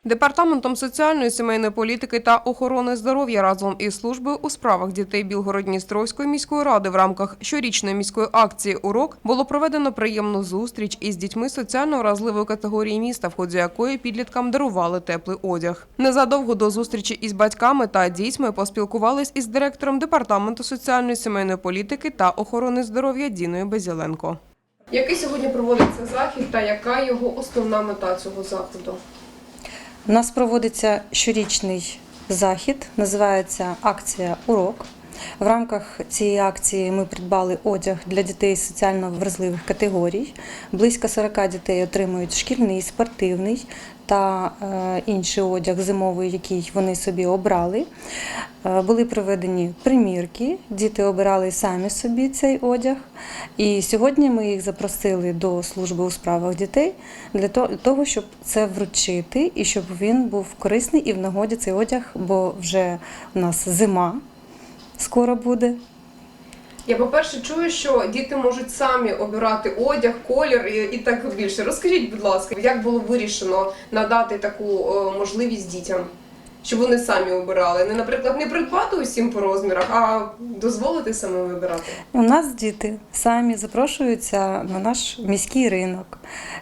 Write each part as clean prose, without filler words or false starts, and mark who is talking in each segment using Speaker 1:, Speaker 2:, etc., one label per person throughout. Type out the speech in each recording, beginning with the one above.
Speaker 1: Департаментом соціальної, сімейної політики та охорони здоров'я разом із службою у справах дітей Білгород-Дністровської міської ради в рамках щорічної міської акції «Урок» було проведено приємну зустріч із дітьми соціально вразливої категорії міста, в ході якої підліткам дарували теплий одяг. Незадовго до зустрічі із батьками та дітьми поспілкувались із директором Департаменту соціальної, сімейної політики та охорони здоров'я Діною Безіленко. Який сьогодні проводиться захід та яка його основна мета цього заходу?
Speaker 2: У нас проводиться щорічний захід, називається акція «Урок». В рамках цієї акції ми придбали одяг для дітей з соціально вразливих категорій. Близько 40 дітей отримують шкільний, спортивний та інший одяг зимовий, який вони собі обрали. Були проведені примірки, діти обирали самі собі цей одяг. І сьогодні ми їх запросили до служби у справах дітей для того, щоб це вручити і щоб він був корисний і в нагоді цей одяг, бо вже у нас зима скоро буде.
Speaker 1: Я, по-перше, чую, що діти можуть самі обирати одяг, колір і так більше. Розкажіть, будь ласка, як було вирішено надати таку можливість дітям, щоб вони самі обирали? Наприклад, не придбати усім по розмірах, а дозволити саме вибирати?
Speaker 2: У нас діти самі запрошуються на наш міський ринок.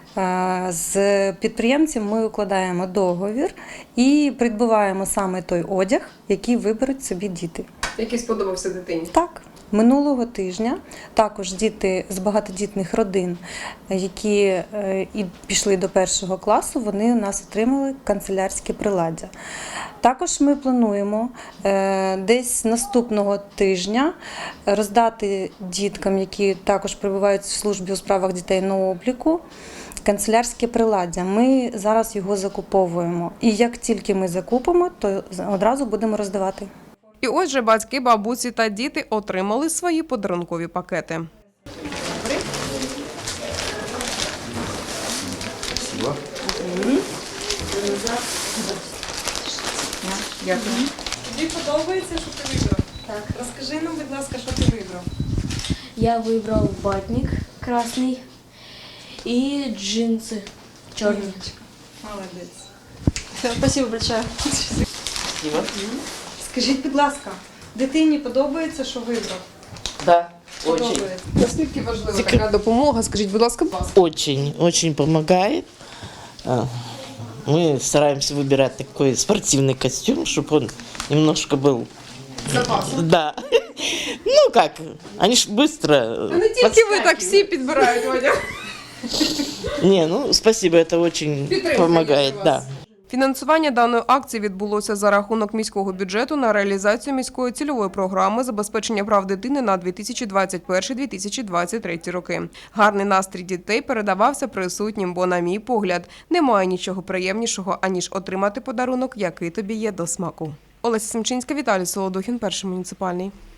Speaker 2: З підприємцем ми укладаємо договір і придбаємо саме той одяг, який виберуть собі діти.
Speaker 1: Який сподобався дитині?
Speaker 2: Так. Минулого тижня також діти з багатодітних родин, які і пішли до 1 класу, вони у нас отримали канцелярське приладдя. Також ми плануємо десь наступного тижня роздати діткам, які також перебувають в службі у справах дітей на обліку, канцелярське приладдя. Ми зараз його закуповуємо. І як тільки ми закупимо, то одразу будемо роздавати.
Speaker 1: І ось же батьки, бабусі та діти отримали свої подарункові пакети.
Speaker 3: Спасибо.
Speaker 1: Дякую.
Speaker 4: Тобі подобається, що ти вибрав? Так. Розкажи нам, будь ласка, що ти вибрав.
Speaker 5: Я выбрал батник красный и джинсы черные.
Speaker 4: Молодець.
Speaker 5: Спасибо большое.
Speaker 3: Спасибо.
Speaker 4: Скажіть, будь ласка, дитині подобається, що вибрав?
Speaker 3: Да, очень.
Speaker 4: Подобається.
Speaker 1: Наскільки важлива така допомога? Скажіть, будь ласка,
Speaker 3: Очень помогает. Мы стараемся выбирать такой спортивный костюм, чтобы он немножко был...
Speaker 1: запасом.
Speaker 3: Да. Ну как, они ж быстро
Speaker 1: Не тільки ви, так всі підбирають одяг.
Speaker 3: Не, ну спасибо, это очень
Speaker 1: Підтримка
Speaker 3: помогает,
Speaker 1: є у вас.
Speaker 3: да.
Speaker 1: Фінансування даної акції відбулося за рахунок міського бюджету на реалізацію міської цільової програми забезпечення прав дитини на 2021-2023 роки. Гарний настрій дітей передавався присутнім, бо, на мій погляд, немає нічого приємнішого, аніж отримати подарунок, який тобі є до смаку. Олеся Семчинська, Віталій Солодухін, Перший муніципальний.